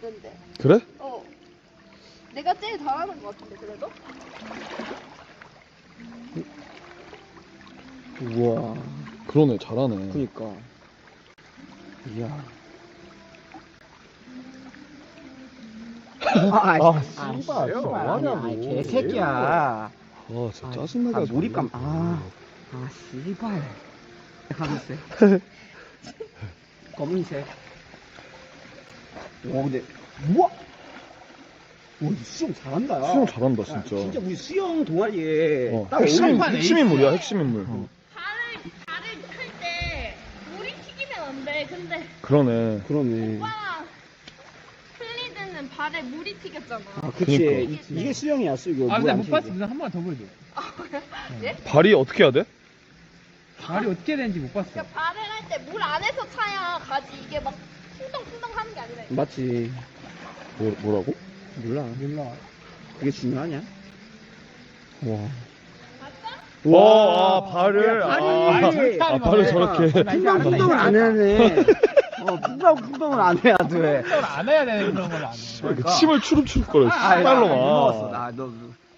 있는데. 그래? 내가 제일 잘하는 것 같은데 그래도? 우와. 그러네, 잘하네. 그니까. 이야. 씨발, 뭐하냐고. 개새끼야. 아, 진짜 짜증나가지고. 몰입감. 씨발. 하면서. 검은색. 와, 근데, 우와! 와, 수영 잘한다, 야. 수영 잘한다, 야, 진짜. 진짜 우리 수영 동아리에 딱 핵심 어울리는 인물이야, 핵심 인물. 발을 클 때 물이 튀기면 안 돼. 근데 그러네. 그러네. 오빠랑 플리드는 발에 물이 튀겼잖아. 그치. 그니까. 이게 수영이야, 수영. 근데 못 봤어. 누나 한 번 더 보여줘. 발이 어떻게 해야 돼? 발이 어떻게 되는지 못 봤어. 그러니까 발을 할 때 물 안에서 차야 가지. 이게 막 풍덩풍덩 하는 게 아니라. 맞지. 뭐라고? 몰라. 그게 중요하냐? 와. 와, 발을. 발을 저렇게. 풍덩풍덩을 안 해네. 풍덩풍덩을 안 해야 돼. 안 해야 되는 그런 걸 안 해. 침을 추룩추룩 거려, 아, 씨발로 먹었어. 막. 너